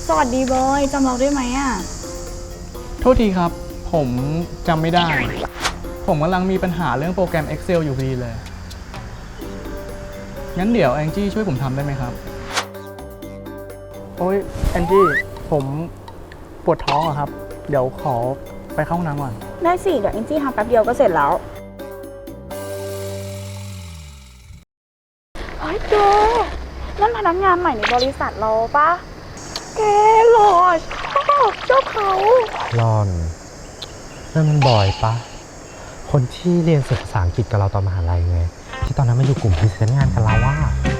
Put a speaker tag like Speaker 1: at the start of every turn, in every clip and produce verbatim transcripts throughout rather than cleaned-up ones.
Speaker 1: สวัสดีบอยจำเราได้ไหมอ่ะ
Speaker 2: โทษทีครับผมจำไม่ได้ผมกำลังมีปัญหาเรื่องโปรแกรม Excel อยู่พอดีเลยงั้นเดี๋ยวแองจี้ช่วยผมทำได้ไหมครับโอ้ยแองจี้ผมปวดท้องอะครับเดี๋ยวขอไปเข้าห้องน้ำก่อน
Speaker 1: ได้สิเดี๋ยวแองจี้ทำแป๊บเดียวก็เสร็จแล้วเฮ้ยแกนั่นพนักงานใหม่ในบริษัทเราปะแกหล่อชอบชอบเขา
Speaker 3: รอนนั่นมันบอยปะคนที่เรียนศึกษาอังกฤษกับเราตอนมหาลัยไงที่ตอนนั้นมาอยู่กลุ่มพรีเซนต์งานกับเราว่า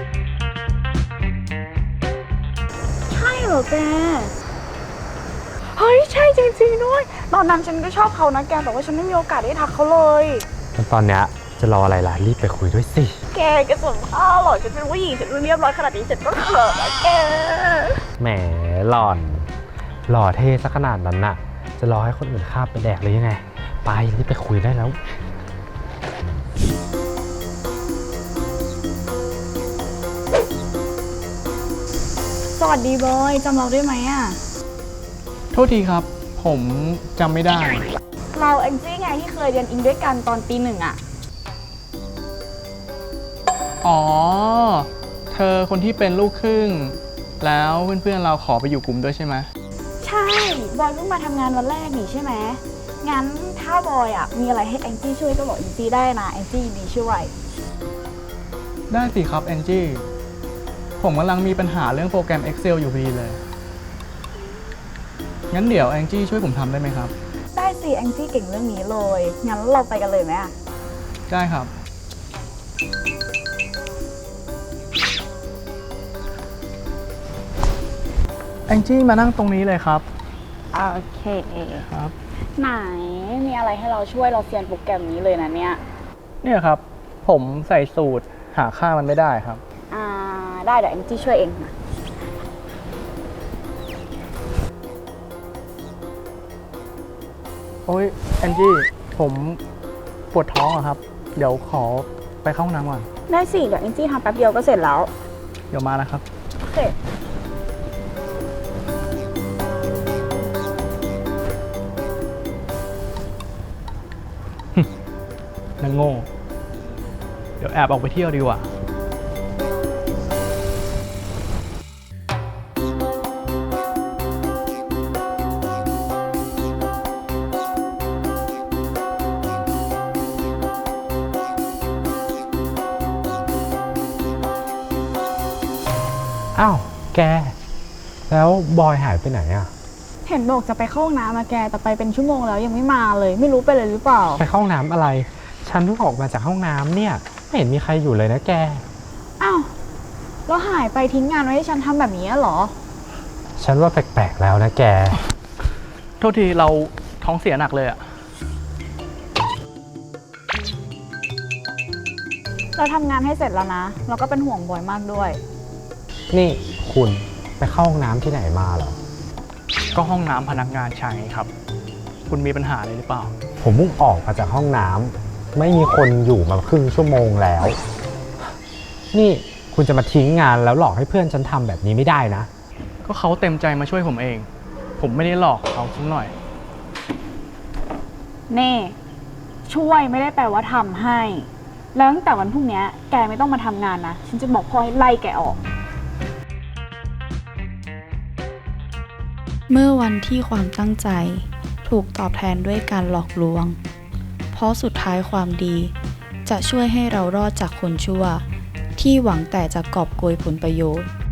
Speaker 1: ใช่เหรอแกเฮ้ยใช่จริงๆด้วยตอนนั้นฉันก็ชอบเขานะแกแต่ว่าฉันไม่มีโอกาสได้ทักเขาเลย
Speaker 3: ตอนเนี้ยจะรออะไรล่ะรีบไปคุยด้วยสิ
Speaker 1: แกแกสนผ้าหรอฉันเป็นผู้หญิงฉันเรียบร้อยขนาดนี้ฉันก็เขินนะแก
Speaker 3: แหมหล่อนหล่อเท่ซะขนาดนั้นน่ะจะรอให้คนอื่นข้ามไปแดกเลยยังไงไปรีบไปคุยได้แล้ว
Speaker 1: สวัสดีบอยจำเราได้ไหมอ่ะ
Speaker 2: โทษทีครับผมจำไม่ได้
Speaker 1: เราแองจี้ไงที่เคยเรียนอิงด้วยกันตอนปีหนึ่งอ่ะ
Speaker 2: อ๋อเธอคนที่เป็นลูกครึ่งแล้วเพื่อนๆเราขอไปอยู่กลุ่มด้วยใช่ไหม
Speaker 1: ใช่บอยเพิ่งมาทำงานวันแรกนี่ใช่ไหมงั้นถ้าบอยอ่ะมีอะไรให้แองจี้ช่วยก็บอกแองจี้ได้นะแองจี้ดีช่วย
Speaker 2: ได้สิครับแองจี้ผมกำลังมีปัญหาเรื่องโปรแกรม Excel อยู่พอดีเลยงั้นเดี๋ยวแองจี้ช่วยผมทำได้ไหมครับ
Speaker 1: ได้สิแองจี้เก่งเรื่องนี้เลยงั้นเราไปกันเลยไหมอ่ะ
Speaker 2: ได้ครับแองจี้มานั่งตรงนี้เลยครับ
Speaker 1: โอเค
Speaker 2: ครับ
Speaker 1: ไหนมีอะไรให้เราช่วยเราเซียนโปรแกรมนี้เลยนะเนี่ย
Speaker 2: เนี่ยครับผมใส่สูตรหาค่ามันไม่ได้ครับ
Speaker 1: อ่าได้เดี๋ยวแองจี้ช่วยเองนะ
Speaker 2: โอ้ยแองจี้ผมปวดท้องอะครับเดี๋ยวขอไปเข้าห้องน้ำก่อน
Speaker 1: ได้สิเดี๋ยวแองจี้ทำแป๊บเดียวก็เสร็จแล้ว
Speaker 2: เดี๋ยวมานะครับ
Speaker 1: โอเค
Speaker 2: นางโง่เดี๋ยวแอบออกไปเที่ยวดีกว่า
Speaker 3: อ้าวแกแล้วบอยหายไปไหนอ่ะ
Speaker 1: เห็นบอกจะไปเข้าห้องน้ำมาแกแต่ไปเป็นชั่วโมงแล้วยังไม่มาเลยไม่รู้ไปเลยหรือเปล่า
Speaker 3: ไปเข้าห้องน้ำอะไรฉันเพิ่งออกมาจากห้องน้ำเนี่ยไม่เห็นมีใครอยู่เลยนะแก
Speaker 1: อ้าวแล้วหายไปทิ้งงานไว้ให้ฉันทำแบบนี้เหรอ
Speaker 3: ฉันว่าแปลกๆแล้วนะแก
Speaker 2: โทษทีเราท้องเสียหนักเลยอะ
Speaker 1: เราทำงานให้เสร็จแล้วนะเราก็เป็นห่วงบอยมากด้วย
Speaker 3: นี่คุณไปเข้าห้องน้ำที่ไหนมาเหรอ
Speaker 2: ก็ห้องน้ำพนักงานชายครับคุณมีปัญหาอะไรหรือเปล่า
Speaker 3: ผมเพิ่งออกมาจากห้องน้ำไม่มีคนอยู่มาครึ่งชั่วโมงแล้วนี่คุณจะมาทิ้งงานแล้วหลอกให้เพื่อนฉันทำแบบนี้ไม่ได้นะ
Speaker 2: ก็เขาเต็มใจมาช่วยผมเองผมไม่ได้หลอกเขาสักหน่อย
Speaker 1: เน่ช่วยไม่ได้แปลว่าทำให้แล้วตั้งแต่วันพรุ่งนี้แกไม่ต้องมาทำงานนะฉันจะบอกพ่อให้ไล่แกออก
Speaker 4: เมื่อวันที่ความตั้งใจถูกตอบแทนด้วยการหลอกลวงเพราะสุดท้ายความดีจะช่วยให้เรารอดจากคนชั่วที่หวังแต่จะกอบโกยผลประโยชน์